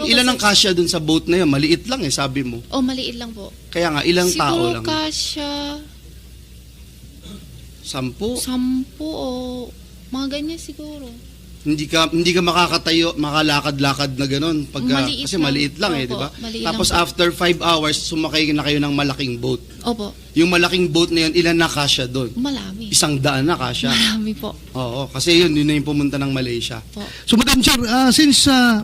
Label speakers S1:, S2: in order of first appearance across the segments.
S1: ilan ang kasya dun sa boat na yun? Maliit lang eh, sabi mo.
S2: Oh, maliit lang po.
S1: Kaya nga, ilang tao
S2: Siguro
S1: lang?
S2: kasya
S1: 10?
S2: 10 o mga ganyan siguro.
S1: Hindi ka makakatayo, makalakad-lakad na gano'n
S2: Maliit
S1: kasi
S2: lang.
S1: maliit lang eh,
S2: Opo,
S1: di ba?
S2: maliit
S1: Tapos
S2: lang po.
S1: after 5 hours, sumakay na kayo ng malaking boat.
S2: Opo,
S1: Yung malaking boat na yun, ilan na kasya doon?
S2: malami.
S1: 100 na kasya.
S2: Marami po.
S1: Oo, kasi yun na yung pumunta ng Malaysia.
S2: Po.
S3: So, Madam Chair, since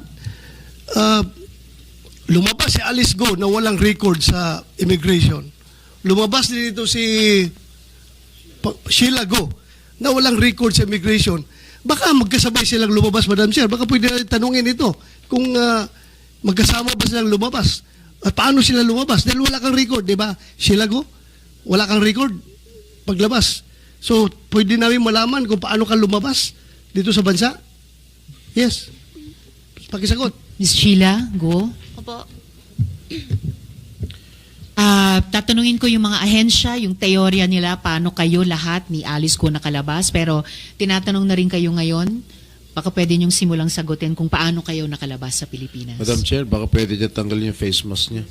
S3: lumabas si Alice Go na walang record sa immigration, lumabas din ito si Sheila Go na walang record sa immigration, baka magkasabay silang lumabas, Madam Chair. Baka pwede natin tanungin ito kung magkasama ba silang lumabas. At paano sila lumabas? Dahil wala kang record, di ba? Sheila Go, wala kang record paglabas. So, pwede namin malaman kung paano ka lumabas dito sa bansa? Yes. Pakisagot.
S4: Ms. Sheila, go.
S2: Opo.
S4: Tatanungin ko yung mga ahensya, yung teorya nila, paano kayo lahat ni Alice ko nakalabas. Pero tinatanong na rin kayo ngayon, baka pwede niyong simulang sagutin kung paano kayo nakalabas sa Pilipinas.
S5: Madam Chair, baka pwede niya tanggalin yung face mask niya.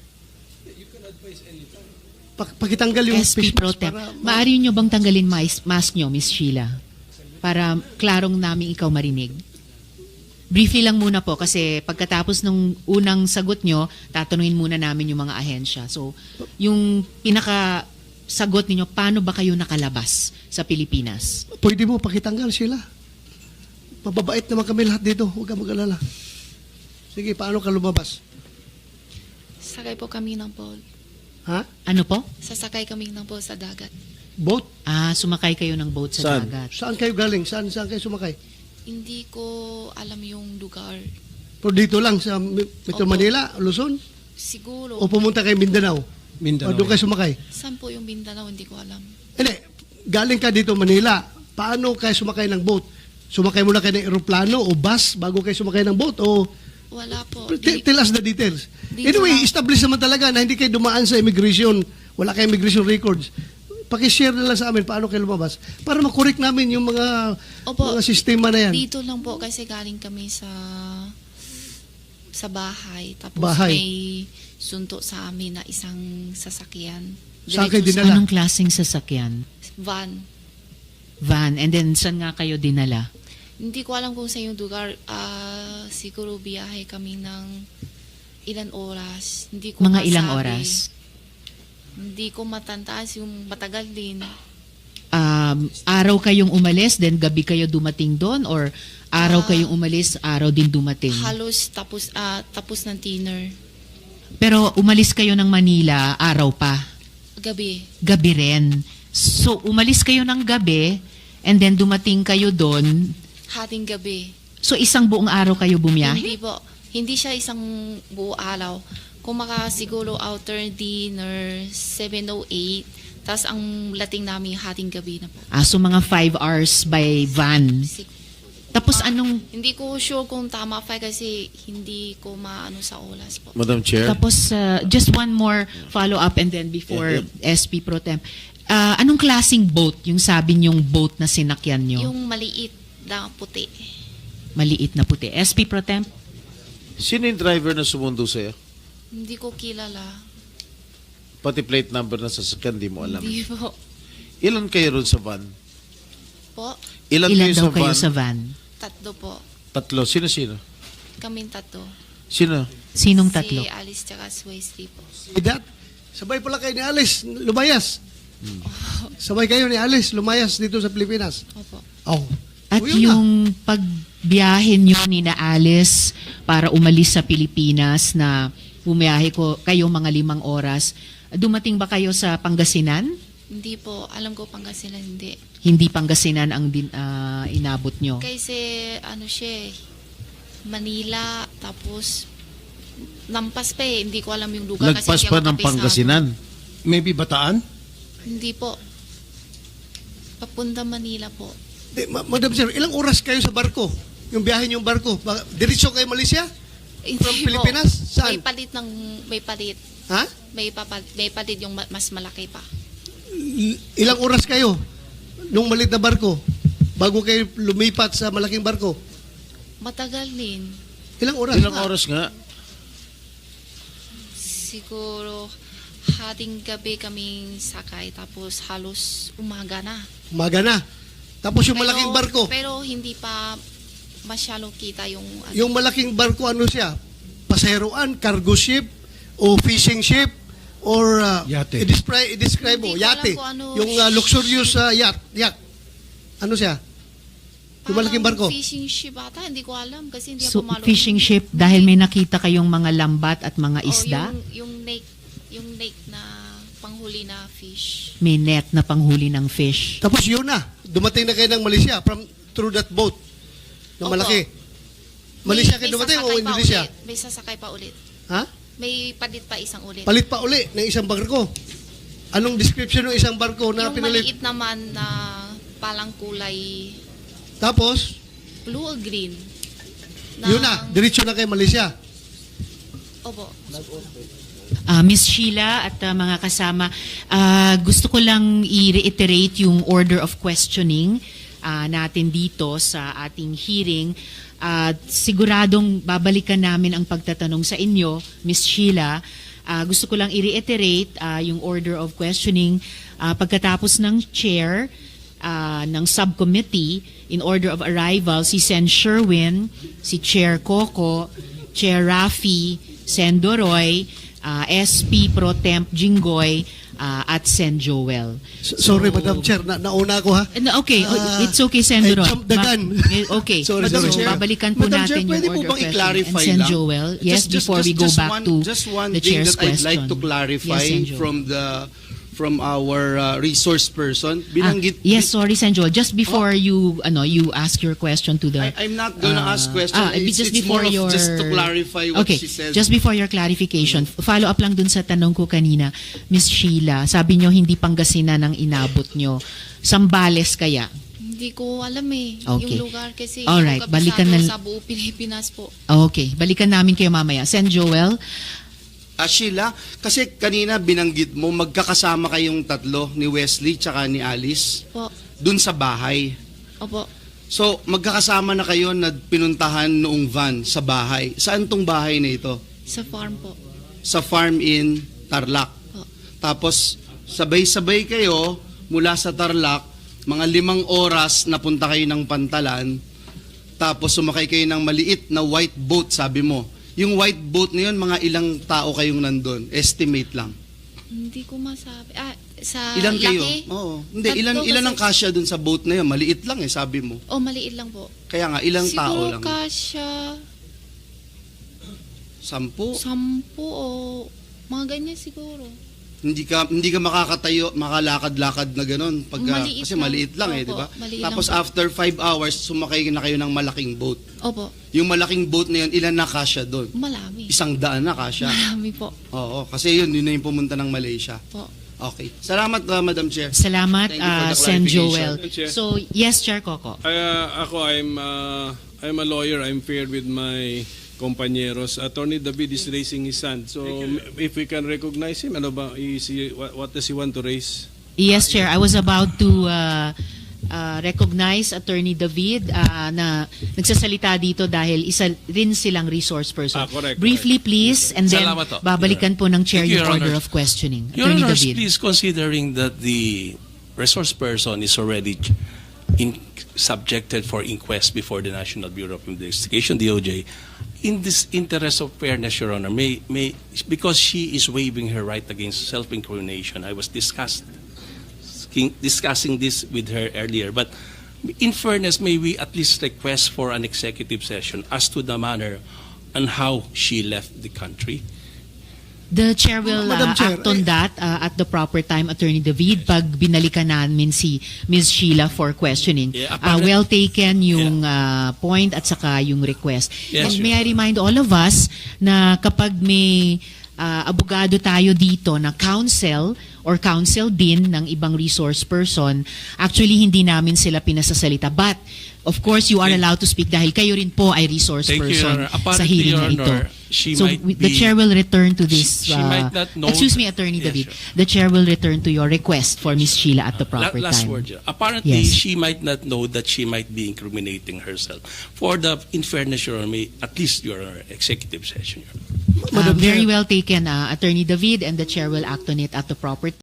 S3: Pakitanggal yung
S4: SP
S3: face
S4: Pro
S3: mask
S4: Tem.
S3: para
S4: Maaari niyo bang tanggalin mask niyo, Ms. Sheila? Para klarong namin ikaw marinig. Briefly lang muna po kasi pagkatapos ng unang sagot nyo, tatanungin muna namin yung mga ahensya. So, yung pinaka-sagot ninyo, paano ba kayo nakalabas sa Pilipinas?
S3: pwede mo pakitanggal sila. Mababait naman kami lahat dito. Huwag ka mag-alala. Sige, paano ka lumabas?
S2: Sakay po kami ng boat.
S3: Ha?
S4: Ano po?
S2: Sasakay kami ng boat sa dagat.
S3: Boat?
S4: Sumakay kayo ng boat sa
S5: Saan?
S4: dagat.
S3: Saan kayo galing? Saan kayo sumakay?
S2: Hindi ko alam yung lugar.
S3: Pero dito lang sa Metro
S2: Opo.
S3: Manila, Luzon?
S2: Siguro.
S3: O pumunta kayo Mindanao? O doon kayo sumakay?
S2: Saan po yung Mindanao? Hindi ko alam.
S3: Hindi. Galing ka dito Manila. Paano kayo sumakay ng boat? Sumakay muna kayo ng eroplano o bus bago kayo sumakay ng boat? O
S2: Wala po.
S3: tell us the details.
S2: Dito
S3: Anyway,
S2: lang.
S3: establish naman talaga na hindi kayo dumaan sa immigration. Wala kayong immigration records. Pakishare na lang sa amin paano kayo lumabas para makorek namin yung mga
S2: Opo.
S3: mga sistema na yan.
S2: Dito lang po kasi galing kami sa bahay. Tapos
S3: Bahay.
S2: may sunto sa amin na isang sasakyan.
S3: Saan kayo
S2: Diretso
S3: dinala?
S4: Anong klaseng sasakyan?
S2: Van.
S4: Van. And then, saan nga kayo dinala?
S2: Hindi ko alam kung sa yung lugar. Siguro biyahe kami ng ilan oras. Hindi ko
S4: Mga ilang
S2: masabi.
S4: oras?
S2: Hindi ko matantaas yung matagal din.
S4: Araw kayong umalis, then gabi kayo dumating doon? Or araw kayong umalis, araw din dumating?
S2: Halos tapos ng dinner.
S4: Pero umalis kayo ng Manila, araw pa.
S2: Gabi.
S4: Gabi rin. So, umalis kayo ng gabi, and then dumating kayo doon.
S2: Hating gabi.
S4: So, isang buong araw kayo bumiyahe?
S2: Hindi po. Hindi siya isang buo araw. Kung siguro outer dinner, 7:08. Tapos ang lating namin hating gabi na po.
S4: So mga 5 hours by van. Tapos anong,
S2: Hindi ko sure kung tama pa kasi hindi ko maano sa oras po.
S5: Madam Chair,
S4: tapos just one more follow-up and then before SP Pro Tem. Anong klaseng boat yung sabi niyong boat na sinakyan niyo?
S2: Yung maliit na puti.
S4: Maliit na puti. SP Pro Tem?
S5: sino yung driver na sumundo sa'yo?
S2: Hindi ko kilala.
S5: Pati plate number na sasakyan, di mo alam.
S2: Hindi po.
S5: Ilan kayo ron sa van?
S2: Po?
S5: Ilan
S4: Ilan
S5: kayo
S4: daw
S5: sa
S4: kayo
S5: van?
S4: sa van?
S2: Tatlo po.
S5: Tatlo. Sino-sino?
S2: Kaming tatlo.
S5: Sino?
S4: Sinong tatlo?
S2: Si Alice tsaka si Wesley po.
S3: Idat, sabay pala kayo ni Alice, lumayas. Sabay kayo ni Alice, lumayas dito sa Pilipinas.
S2: Opo.
S3: Oh.
S4: At
S3: O, yun na.
S4: yung pagbiyahe nyo ni na Alice para umalis sa Pilipinas na bumiyahe kayo mga 5 oras, dumating ba kayo sa Pangasinan?
S2: Hindi po. Alam ko Pangasinan hindi.
S4: Hindi Pangasinan ang inabot nyo?
S2: Kasi siya Manila, tapos lampas pa eh. Hindi ko alam yung lugar.
S5: Lagpas
S2: kasi
S5: pa
S2: hindi ako
S5: ng
S2: kabisado.
S5: Pangasinan.
S6: Maybe Bataan?
S2: Hindi po. Papunta Manila po.
S3: Madam Sir, ilang oras kayo sa barko? Yung biyahe niyong barko? Diretso kayo Malaysia?
S2: Hindi
S3: From
S2: po.
S3: Pilipinas? Saan?
S2: May palit.
S3: Ha?
S2: May palit yung mas malaki pa.
S3: Ilang oras kayo nung malit na barko bago kayo lumipat sa malaking barko?
S2: Matagal din.
S3: Ilang oras?
S5: Ilang oras nga?
S2: Siguro hating gabi kaming sakay tapos halos umaga na.
S3: Umaga na. Tapos yung malaking barko.
S2: Pero hindi pa masyadong kita yung ano.
S3: Yung malaking barko, ano siya? Paseroan, cargo ship, o fishing ship, or
S6: Yate.
S3: i-describe mo,
S2: Hindi ko alam
S3: yate.
S2: kung ano
S3: Yung luxurious yacht. Ano siya? Yung malaking barko.
S2: Fishing ship ata, hindi ko alam kasi hindi
S4: So,
S2: ako malo.
S4: fishing ship, dahil may nakita kayong mga lambat at mga
S2: O,
S4: isda,
S2: yung lake na panghuli na fish.
S4: may net na panghuli ng fish.
S3: Tapos yun na, dumating na kayo ng Malaysia through that boat na
S2: Opo.
S3: malaki. Malaysia kayo
S2: May
S3: dumating o
S2: sasakay pa
S3: Indonesia?
S2: ulit. May sasakay pa ulit.
S3: Ha?
S2: May palit pa isang ulit.
S3: Palit pa uli ng isang barko. Anong description ng isang barko na
S2: yung
S3: pinalit?
S2: maliit naman na palang kulay
S3: Tapos,
S2: blue or green.
S3: yun na, diretso na kayo Malaysia.
S2: Opo.
S4: Miss Sheila at mga kasama, gusto ko lang i-reiterate yung order of questioning natin dito sa ating hearing. Siguradong babalikan namin ang pagtatanong sa inyo, Miss Sheila. Gusto ko lang i-reiterate yung order of questioning pagkatapos ng chair ng subcommittee in order of arrival, si Sen Sherwin, si Chair Coco, Chair Rafi, Sen Doroy, SP Pro Temp Jinggoy, at Sen Joel.
S3: Sorry, Madam Chair, nauna ako ha.
S4: No, okay, it's okay, Sen
S3: I
S4: Doroy.
S3: jumped the gun.
S4: Okay,
S3: Sorry,
S4: so
S3: sorry.
S4: babalikan po
S1: Madam
S4: natin
S1: Chair, pwede
S4: yung
S1: po
S4: order
S1: bang
S4: of questioning.
S1: i-clarify
S4: And Sen
S1: lang?
S4: Joel, yes, before we go back to
S1: just one
S4: the
S1: thing
S4: chair's
S1: that I'd
S4: question.
S1: like to clarify
S4: Yes, Sen Joel.
S1: from our resource person. Binanggit
S4: yes, sorry, Sen Joel. Just before you ask your question to the...
S1: I'm not gonna ask question.
S4: just
S1: It's
S4: before
S1: more of
S4: your...
S1: just to clarify what
S4: okay,
S1: she said.
S4: just before your clarification, follow up lang dun sa tanong ko kanina, Miss Sheila, sabi nyo hindi Pangasinan ang inabot nyo. Sambales kaya?
S2: Hindi ko alam eh.
S4: Okay.
S2: Yung lugar kasi
S4: Alright,
S2: yung
S4: balikan
S2: kabisado
S4: na-
S2: sa buong Pilipinas po.
S4: Okay, balikan namin kayo mamaya. Sen Joel,
S1: Sheila, kasi kanina binanggit mo, magkakasama kayong tatlo, ni Wesley tsaka ni Alice,
S2: Po.
S1: dun sa bahay.
S2: Opo.
S1: So, magkakasama na kayo na pinuntahan noong van sa bahay. Saan tong bahay na ito?
S2: Sa farm po.
S1: Sa farm in Tarlac.
S2: Po.
S1: Tapos, sabay-sabay kayo mula sa Tarlac, mga 5 oras napunta kayo ng Pantalan, tapos sumakay kayo ng maliit na white boat, sabi mo. Yung white boat na yun, mga ilang tao kayong nandun? Estimate lang.
S2: Hindi ko masabi. Sa
S1: Ilan kayo?
S2: laki?
S1: Oo. Hindi,
S2: Tatlo
S1: ilan ang
S2: kasi-
S1: kasya dun sa boat na yun? Maliit lang sabi mo.
S2: Oh, maliit lang po.
S1: Kaya nga, ilang tao
S2: Siguro
S1: lang?
S2: kasya
S1: 10?
S2: 10 o mga ganyan siguro.
S1: Hindi ka makakatayo, makalakad-lakad na ganun
S2: Maliit
S1: kasi
S2: lang.
S1: maliit lang
S2: Opo,
S1: di ba?
S2: maliit
S1: Tapos
S2: lang po.
S1: after 5 hours sumakay na kayo ng malaking boat.
S2: Opo.
S1: Yung malaking boat na yun, ilan na kasya doon?
S2: Marami.
S1: 100 na kasya.
S2: Marami po.
S1: Oo, kasi yun na yung pumunta ng Malaysia.
S2: Po.
S1: Okay. Salamat Madam Chair.
S4: salamat,
S1: Thank you for the
S4: Sen
S1: clarification.
S4: Joel.
S6: Chair.
S4: So, yes, Chair Coco.
S6: I'm a lawyer. I'm paired with my compañeros. Attorney David is raising his hand. So if we can recognize him, ano ba? What does he want to raise?
S4: Yes, Chair. I was about to recognize Attorney David na nagsasalita dito dahil isa rin silang resource person.
S6: Correct,
S4: Briefly, please, and then
S7: Salamat po.
S4: babalikan po ng Chair
S7: Thank you,
S4: yung
S7: Your
S4: order
S7: Honor.
S4: of questioning.
S7: Your
S4: Attorney
S7: Honors,
S4: David.
S7: please, considering that the resource person is already subjected for inquest before the National Bureau of Investigation, DOJ, in this interest of fairness, Your Honor, because she is waiving her right against self-incrimination, I was discussing this with her earlier, but in fairness, may we at least request for an executive session as to the manner and how she left the country?
S4: The Chair will
S3: Madam Chair,
S4: act on that at the proper time, Attorney David, pag binalikan namin si Ms. Sheila for questioning.
S7: Yeah, apparent-
S4: Well taken yung point at saka yung request.
S7: Yes,
S4: And may I remind all of us na kapag may abogado tayo dito na counsel or counsel din ng ibang resource person, actually hindi namin sila pinasasalita. But, of course, you are allowed to speak dahil kayo rin po ay resource
S7: Thank you,
S4: person
S7: Your Honor.
S4: sa
S7: Apparently,
S4: hearing
S7: Your
S4: na ito.
S7: Honor, She
S4: So
S7: might
S4: the
S7: be-
S4: chair will return to this.
S7: She might not know
S4: excuse me,
S7: that-
S4: Attorney
S7: Yeah,
S4: David.
S7: sure.
S4: The chair will return to your request for Ms. Sheila at the proper
S7: Last
S4: time.
S7: word. Apparently,
S4: Yes.
S7: she might not know that she might be incriminating herself. For the, in fairness, Your Honor, at least Your Honor, executive session. Your Honor.
S3: Madam
S4: Very
S3: Chair.
S4: well taken, Attorney David, and the chair will act on it at the proper